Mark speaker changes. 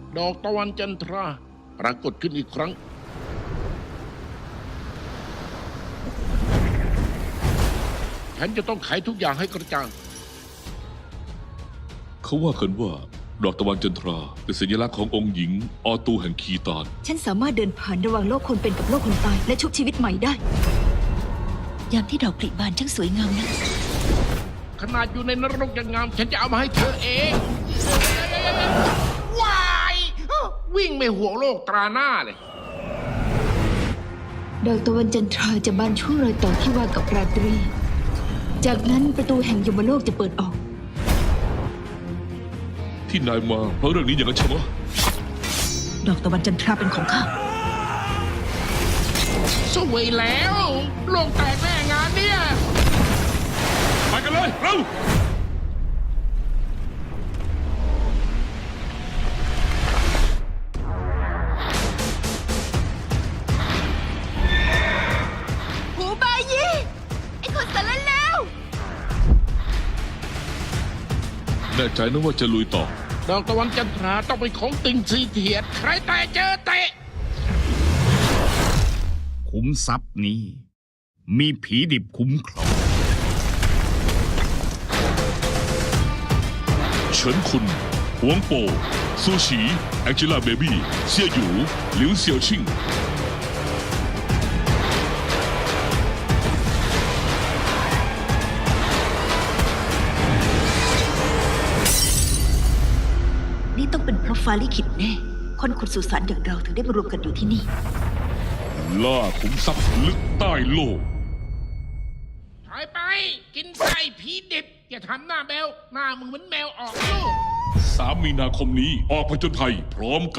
Speaker 1: ดอกตะวันจันทราปรากฏขึ้นอีกครั้งฉันจะต้องไขทุกอย่างให้กระจ่าง
Speaker 2: เขาว่ากันว่าดอกตะวันจันทราเป็นสัญลักษณ์ขององค์หญิงออตูแห่งคีตาน
Speaker 3: ฉันสามารถเดินผ่านระหว่างโลกคนเป็นกับโลกคนตายและชุบชีวิตใหม่ได้ ยามที่ดอกผลิบานช่างสวยงามนะ
Speaker 1: ขนาดอยู่ในนรกยังงามฉันจะเอามาให้เธอเองว้ายวิ่งไม่ห่วงโลกตราหน้าเลย
Speaker 3: ดอกตะวันจันทราจะบานช่วงรอยต่อที่ว่ากับราตรี จากนั้นประตูแห่งยมโลกจะเปิดออก
Speaker 2: ที่นายมาเพราะเรื่องนี้อย่างนั้นใช่ไหม
Speaker 3: ดอกตะวันจันทราเป็นของข้า
Speaker 1: สวยแล้วโลกแตกแน่งานเนี่ย
Speaker 2: ไปกันเลยเร็ว
Speaker 3: หูบายีไอ้คนสารเลว
Speaker 2: แน่ใจนะว่าจะลุยต่อ
Speaker 1: ดอกตะวันจันทราต้องเป็นของติงซีเทียดใครแต่เจอเตะ
Speaker 4: ขุมทรัพย์นี้ มีผีดิบคุ้มครอง
Speaker 2: เฉินคุณหวงโปซูฉีแองเจล่าเบบี้เซี่ยหยูหลิวเสี่ยวชิง
Speaker 3: นี่ต้องเป็นเพราะฟ้าลิขิตแน่ คนขุดสุสานอย่างเราถึงได้มารวมกันอยู่ที่นี่
Speaker 2: ล่าขุมทรัพย์ลึกใต้โลก
Speaker 1: ถอยไป กินไส้ผีดิบ อย่าทำหน้าแมว หน้ามึงเหมือนแมวออกลูก
Speaker 2: 3 มีนาคมนี้ออกผจญภัยพร้อมกัน